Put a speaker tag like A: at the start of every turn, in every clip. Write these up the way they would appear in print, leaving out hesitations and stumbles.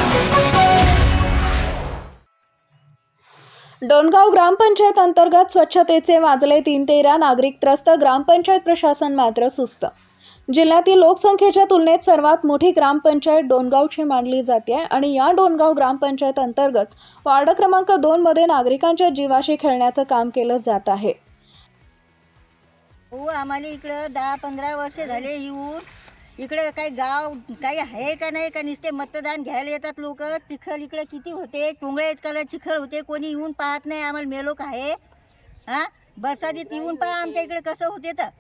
A: डोणगाव ग्रामपंचायत अंतर्गत स्वच्छतेचे वाजले 3-13 नागरिक त्रस्त, ग्रामपंचायत प्रशासन मात्र सुस्त. जिल्ह्यातील लोकसंख्येच्या तुलनेत सर्वात मोठी ग्रामपंचायत डोणगावची मानली जाते आणि या डोणगाव ग्रामपंचायत अंतर्गत वार्ड क्रमांक 2 मध्ये नागरिकांच्या जीवाशी खेळण्याचं काम केलं जात आहे.
B: हो, आम्हाला इकडं 10-15 वर्ष झाले येऊन. इकडे काही गाव काही आहे का नाही का, नुसते मतदान घ्यायला येतात लोक. चिखल इकडे किती होते, टोंगळे इतकं चिखल होते, कोणी येऊन पाहत नाही. आम्हाला मेलोक आहे. हां, बरसातीत येऊन पहा आमच्या इकडे कसं होते. तर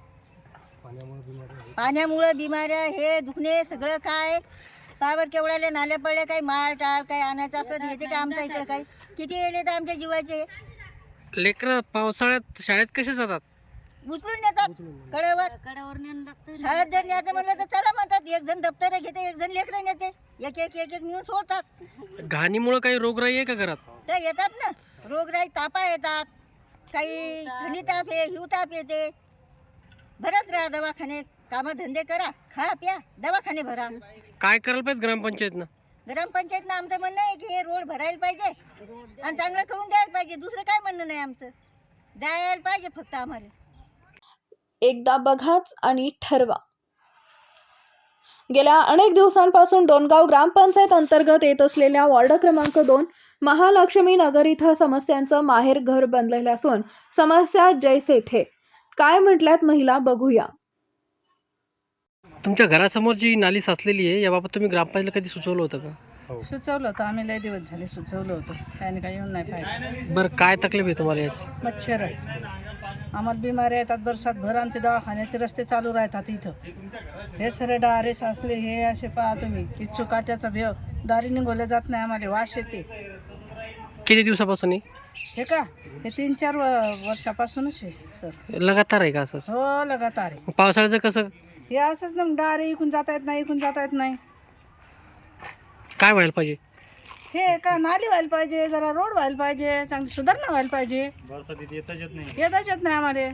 B: पाण्यामुळं बिमाऱ्या, हे दुखणे सगळं काय. पावर केवढ्याला नाल्या पडल्या, काही माळ टाळ काही आणायचं असलं तर येते का आमच्या इकडे. काही किती येले तर आमच्या जीवाचे.
C: लेकरं पावसाळ्यात शाळेत कसे जातात?
B: उचलून नेतात कड्यावर शाळेत जर न्यायचं म्हणलं तर चला म्हणतात. एक जण दप्तर घेते, एक जण लेकरं नेते, एक एक एक एक नेऊन सोडतात.
C: घाणीमुळं काही रोगराई आहे का घरात?
B: तर येतात ना रोगराई, तापा येतात, काही थंडी ताप आहे, हिव ताप येते. भरत राहा दवाखाने, कामधंदे करा, खा प्या, दवाखाने भरा.
C: काय करायला पाहिजे ग्रामपंचायतनं?
B: ग्रामपंचायतनं आमचं म्हणणं आहे की हे रोड भरायला पाहिजे आणि चांगलं करून द्यायला पाहिजे. दुसरं काय म्हणणं नाही आमचं. जायला पाहिजे फक्त आम्हाला.
A: एकदा बघाच आणि ठरवा. गेल्या अनेक दिवसांपासून डोणगाव ग्रामपंचायत अंतर्गत येत असलेल्या वार्ड क्रमांक 2 महालक्ष्मी नगर इथं समस्यांचं माहेर घर बनलेलं असून समस्या जैसे थे. काय म्हटल्यात महिला बघूया.
C: तुमच्या घरासमोर जी नाली साचलेली आहे याबाबत तुम्ही ग्रामपंचायतीला कधी सुचवलं होतं का?
D: सुचवलं होतं आम्ही, लय दिवस झाले सुचवलं होतं. त्याने काही येऊन नाही पाहिजे.
C: बरं, काय तकलीफ आहे तुम्हाला याची?
D: मच्छर आम्हाला बिमाऱ्या येतात. बरसात भर आमचे दवाखान्याचे रस्ते चालू राहतात इथं. हे सरे डारे साचले, हे असे पहा तुम्ही. इच्छू काट्याचा भेव, दारी निघवल्या जात नाही, आम्हाला वास येते.
C: किती दिवसापासून आहे?
D: हे का हे 3-4 वर्षापासूनच आहे सर.
C: लगातार आहे का असं?
D: हो, लगातार आहे.
C: पावसाळ्याचं कसं?
D: हे असंच ना, डारे इकून जाता येत नाही, इकून जाता येत नाही.
C: काय व्हायला पाहिजे?
D: हे का नाली व्हायला पाहिजे, जरा रोड व्हायला पाहिजे, चांगली सुधारणा व्हायला पाहिजे. येताच येत नाही आम्हाला.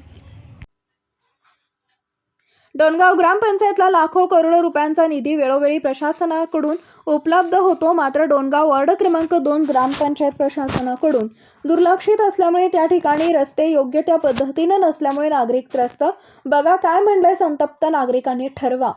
A: डोणगाव ग्रामपंचायतला लाखो करोडो रुपयांचा निधी वेळोवेळी प्रशासनाकडून उपलब्ध होतो, मात्र डोणगाव वार्ड क्रमांक 2 ग्रामपंचायत प्रशासनाकडून दुर्लक्षित असल्यामुळे त्या ठिकाणी रस्ते योग्य त्या पद्धतीने नसल्यामुळे नागरिक त्रस्त. बघा काय म्हणलंय संतप्त नागरिकांनी. ठरवा.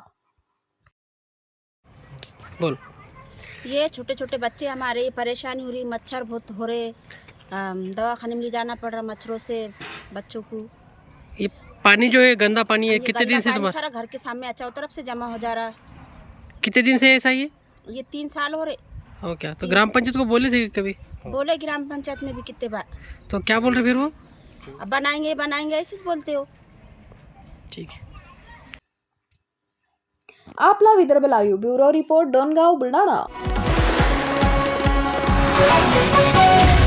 C: बोल.
E: ये छोटे छोटे बच्चे हमारे, परेशानी हो रही, मच्छर बहुत हो रहे, दवाखाने में ले जाना पड़ रहा मच्छरों से बच्चों को.
C: ये पानी जो है गंदा पानी है, कितने दिन से
E: पानी
C: तुम्हारा?
E: सारा घर के सामने चारों तरफ से जमा हो जा रहा.
C: कितने दिन से ऐसा ही है?
E: ये 3 साल हो रहे.
C: हो क्या? तो ग्राम पंचायत को बोले थे कभी?
E: बोले ग्राम पंचायत में भी कितने बार.
C: तो क्या बोल रहे फिर वो?
E: अब बनाएंगे बनाएंगे ऐसे बोलते हो.
C: ठीक है.
A: आपला Vidarbha live bureau report, Dongaon, Buldhana.